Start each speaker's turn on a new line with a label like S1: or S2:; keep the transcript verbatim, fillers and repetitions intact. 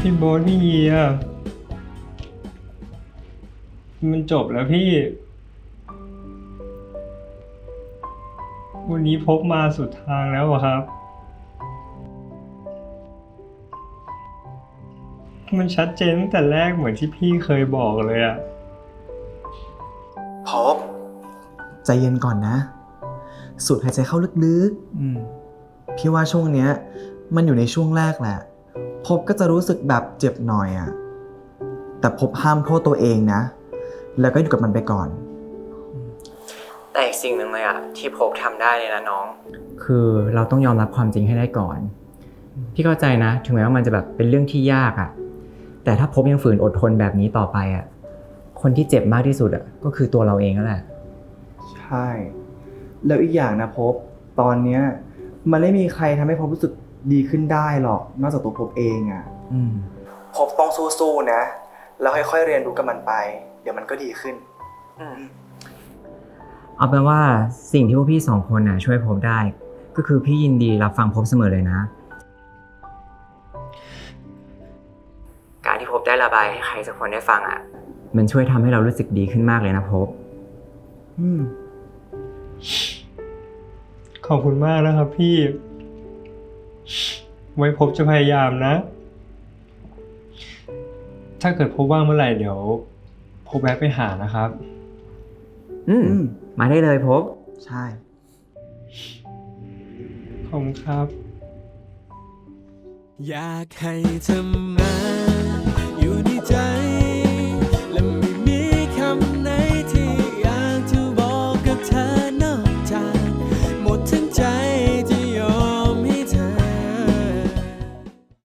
S1: พี่โบ๊ทพี่เยียมันจบแล้วพี่ วันนี้พบมาสุดทางแล้วอะครับ มันชัดเจนตั้งแต่แรกเหมือนที่พี่เคยบอกเลยอะ
S2: พบใจเย็นก่อนนะ สูดหายใจเข้าลึกๆพี่ว่าช่วงเนี้ยมันอยู่ในช่วงแรกแหละ พบก็จะรู้สึกแบบเจ็บหน่อยอะแต่พบห้ามโทษตัวเองนะ แล้วก็อยู่กับมันไปก่อน
S3: แต่อีกสิ่งหนึ่งเลยอะที่พบทำได้เลยนะน้อง คือเราต้องยอมรับความจริงให้ได้ก่อน พี่เข้าใจนะถึงแม้ว่ามันจะแบบเป็นเรื่องที่ยากอะแต่ถ้าพบยังฝืนอดทนแบบนี้ต่อไปอะคนที่เจ็บมากที่สุดอะก็คือตัวเราเองนั่นแหละ
S2: ใช่ แล้วอีกอย่างนะพบตอนเนี้ยมันไม่มีใครทำให้พบรู้สึกดีขึ้นได้หรอกนอกจากตัวพบเองอะ่ะ
S3: อืม
S2: พบต้องสู้ๆนะ แล้วค่อยๆเรียนรู้กับมันไป เดี๋ยวมันก็ดีขึ้น
S3: เอาเป็นว่าสิ่งที่พวกพี่สองคนน่ะช่วยพบได้ ก็คือพี่ยินดีรับฟังพบเสมอเลยนะ การที่พบได้ระบายให้ใครสักคนได้ฟังอ่ะ มันช่วยทำให้เรารู้สึกดีขึ้นมากเลยนะพบ
S2: อืม
S1: ขอบคุณมากนะครับพี่ ไว้พบจะพยายามนะ ถ้าเกิดพบว่างเมื่อไหร่เดี๋ยวพบแวะไปหานะครับ
S3: อืม มาได้เลยพบ
S2: ใช่
S1: ขอบคุณครับ
S4: อยากให้เธอมาอยู่ในใจ